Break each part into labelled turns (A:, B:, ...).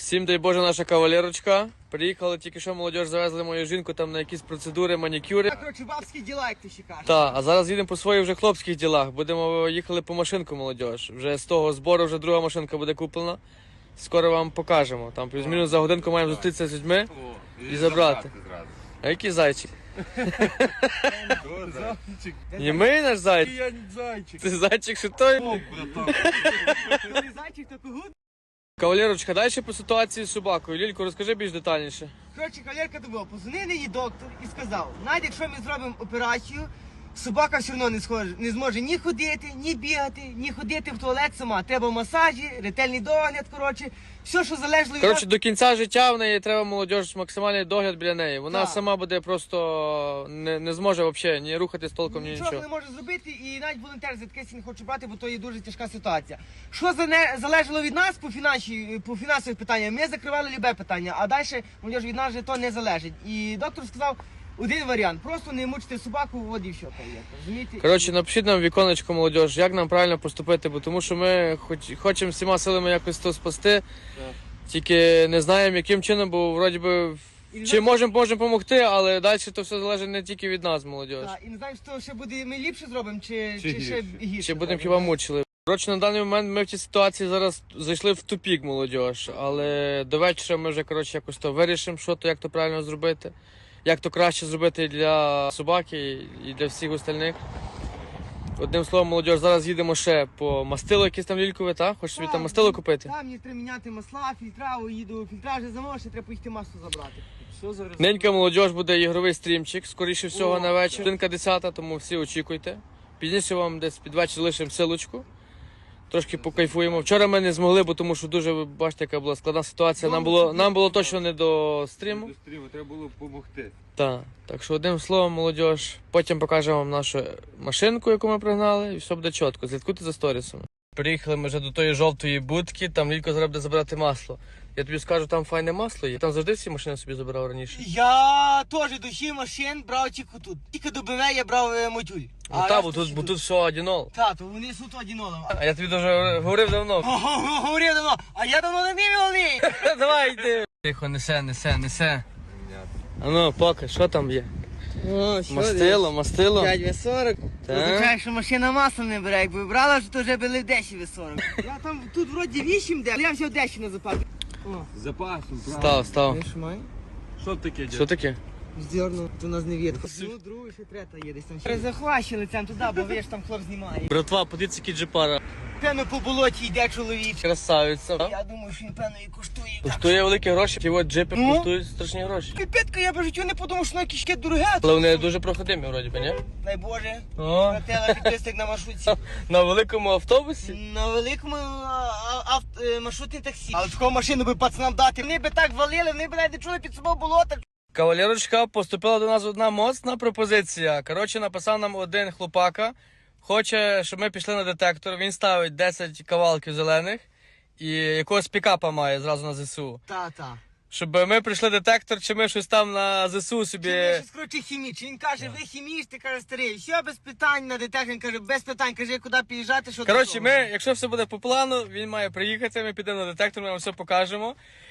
A: Всім дай Боже, наша кавалерочка. Приїхали тільки що молодіж, завезли мою жінку там на якісь процедури, манікюри.
B: Короче, бабські діла, як ти ще кажеш.
A: Так, а зараз їдемо по своїх вже хлопських ділах. Будемо їхали по машинку, молодіж. Вже з того збору вже друга машинка буде куплена. Скоро вам покажемо. Там плюс-мінус за годинку маємо зустрітися з людьми і забрати. А який зайчик?
C: Зайчик.
A: Німий наш зайчик?
C: Я не зайчик.
A: Ти зайчик, що той?
B: Коли зайчик, то когут.
A: Кавалерочка, далі по ситуації з собакою. Лілько, розкажи більш детальніше.
B: Коротше, кавалерка добила, позвонив її доктор і сказав, навіть якщо ми зробимо операцію, собака все одно не зможе ні ходити, ні бігати, ні ходити в туалет сама. Треба масажі, ретельний догляд, коротше, все, що залежало від
A: Коротше, до кінця життя в неї треба молодіж максимальний догляд біля неї. Вона
B: Так.
A: сама буде просто не зможе взагалі ні рухатись толком, ні
B: нічого
A: нічого.
B: не може зробити, і навіть волонтер за таке не хоче брати, бо то є дуже тяжка ситуація. Що залежало від нас по фінансових питаннях, ми закривали любе питання, а далі, молодіж, від нас же то не залежить. І доктор сказав, один варіант, просто не мучити собаку, от і все, розумієте?
A: Коротше, напишіть нам в віконечко, молодіж, як нам правильно поступити, бо тому що ми хочемо всіма силами якось то спасти, тільки не знаємо, яким чином, бо вроді би чи можемо допомогти, але далі то все залежить не тільки від нас, молодіж.
B: Так, і не знаємо, що ще буде, ми ліпше зробимо, чи
C: Чи
B: ще
C: гірше.
B: гірше.
A: Чи будемо
B: зробимо.
A: хіба мучили. Коротше, на даний момент ми в цій ситуації зараз зайшли в тупік, молодіж, але до вечора ми вже, коротше, якось то вирішимо, що то, як то правильно зробити, як то краще зробити і для собаки, і для всіх остальних. Одним словом, молодіж, зараз їдемо ще по мастило якесь там лількове, так? Хочеш собі там мастило купити?
B: Там мені треба міняти масла, фільтра, їду, фільтра вже замовив, ще треба поїхати масло забрати.
C: Що зараз?
A: Ненька молодіж буде ігровий стрімчик, скоріше всього
C: О,
A: на вечір. Годинка 10, тому всі очікуйте. Пізніше вам десь під вечір лишимо силочку. Трошки покайфуємо. Вчора ми не змогли, бо тому що дуже, ви бачите, яка була складна ситуація. Нам було точно не до стріму.
C: До стріму треба було допомогти.
A: Так що одним словом, молодіж, потім покажемо вам нашу машинку, яку ми пригнали, і все буде чітко. Слідкуйте за сторісами. Приїхали ми вже до тої жовтої будки, там Лілько зараз буде забирати масло. Я тобі скажу, там файне масло є. Там завжди всі машини собі забирав раніше.
B: Я теж до всіх машин брав тільки тут. Тільки до БМВ я брав мотюль.
A: Ну так, бо тут все одінол.
B: Так, то вони суто одінолом.
A: А я тобі дуже говорив давно.
B: Говорив давно, а я давно не вмів.
A: Давай йди. Тихо, несе. А ну, поки, що там є?
B: О,
A: Мастило.
B: 5 В40.
A: Так.
B: Означає, що машина масло не бере, якби брала, то вже були в 10 В40. Я там, тут вроді 8 де, але я взяв 10 на запас. О,
C: З запасом, правда.
A: Став.
B: ви ж має?
C: Що таке,
A: Що таке?
B: Здернув, то нас не видно. Ну, другий, ще третя є десь там. Перезахващили лицем туди, бо ви ж там хлоп знімає.
A: Братва, подивіться, який джипара.
B: Певно по болоті йде чоловік.
A: Красавиця.
B: Я думаю, що він певно і коштує.
A: Коштує великі гроші, ті от джипи
B: Ну?
A: коштують страшні гроші.
B: Піпетка, я б життю не подумав, що на кишке дороге.
A: Але вони дуже проходимі, вроді би, ні?
B: Дай Боже,
A: О,
B: братела підписник на маршрутці.
A: на великому автобусі.
B: На великому маршрутній таксі. Але таку машину би пацанам дати. Вони би так валили, вони б навіть не чули під собою болота.
A: Кавалерочка, поступила до нас одна моцна пропозиція. Коротше, написав нам один хлопака. Хоче, щоб ми пішли на детектор. Він ставить 10 кавалків зелених і якогось пікапа має зразу на ЗСУ.
B: Та.
A: Щоб ми прийшли детектор, чи ми щось там на ЗСУ собі.
B: Чи щось, коротше, хімічний. Він каже, ви хімічний, каже, старий. Все без питань на детектор. Він каже, без питань. Каже, куди під'їжджати, що до
A: Коротше,
B: чого.
A: ми, якщо все буде по плану, він має приїхати, ми підемо на детектор, ми вам все покажемо.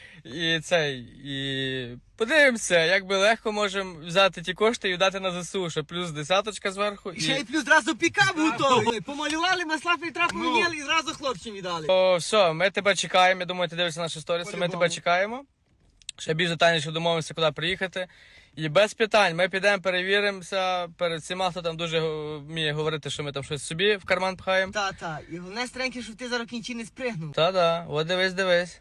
A: І подивимося, як би легко можемо взяти ті кошти і віддати на ЗСУ, ще плюс 10 зверху.
B: І ще й плюс зразу пікап готовий. Помалювали, масла фільтра поміняли і зразу хлопцям віддали.
A: О, все, ми тебе чекаємо, я думаю, ти дивишся наші сторіси, ми
B: По-любому.
A: тебе чекаємо. Ще більш детальніше домовимося, куди приїхати. І без питань, ми підемо, перевіримося перед всіма, хто там дуже вміє говорити, що ми там щось собі в карман пхаємо.
B: Та. І головне, старенький, щоб ти зараз в кінці не спригнув.
A: Та-да, от дивись.